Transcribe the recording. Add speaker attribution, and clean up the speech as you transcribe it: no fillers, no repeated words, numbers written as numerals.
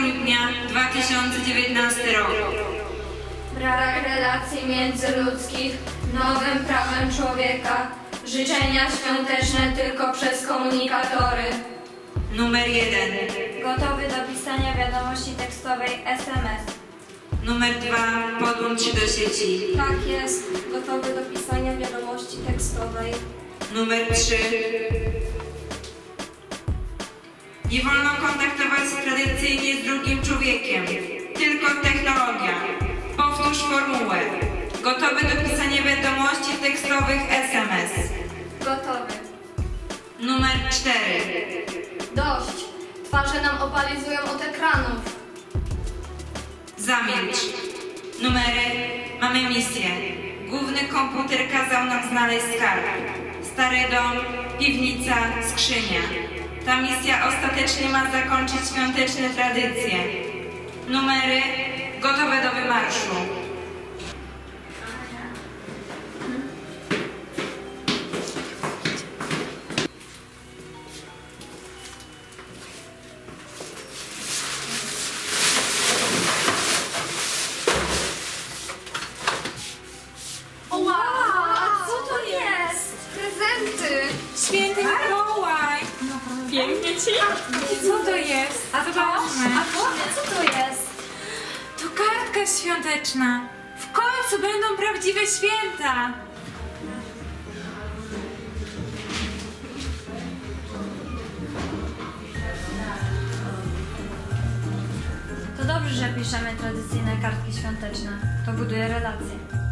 Speaker 1: grudnia 2019 rok.
Speaker 2: Brak relacji międzyludzkich, nowym prawem człowieka. Życzenia świąteczne tylko przez komunikatory.
Speaker 1: Numer 1.
Speaker 2: Gotowy do pisania wiadomości tekstowej SMS.
Speaker 1: Numer 2. Podłącz się do sieci.
Speaker 2: Tak jest, gotowy do pisania wiadomości tekstowej.
Speaker 1: Numer 3. Nie wolno kontaktować się tradycyjnie z drugim człowiekiem, tylko technologia. Powtórz formułę. Gotowy do pisania wiadomości tekstowych SMS.
Speaker 2: Gotowy.
Speaker 1: Numer 4.
Speaker 2: Dość. Twarze nam opalizują od ekranów.
Speaker 1: Zamilcz. Numery. Mamy misję. Główny komputer kazał nam znaleźć skarb. Stary dom, piwnica, skrzynia. Ta misja ostatecznie ma zakończyć świąteczne tradycje. Numery gotowe do wymarszu.
Speaker 2: Wow, co to jest? Prezenty.
Speaker 3: Święty Mikołaj! Pięknie ci? Co to jest? Zobaczmy.
Speaker 2: Co to jest?
Speaker 3: To kartka świąteczna. W końcu będą prawdziwe święta.
Speaker 2: To dobrze, że piszemy tradycyjne kartki świąteczne. To buduje relacje.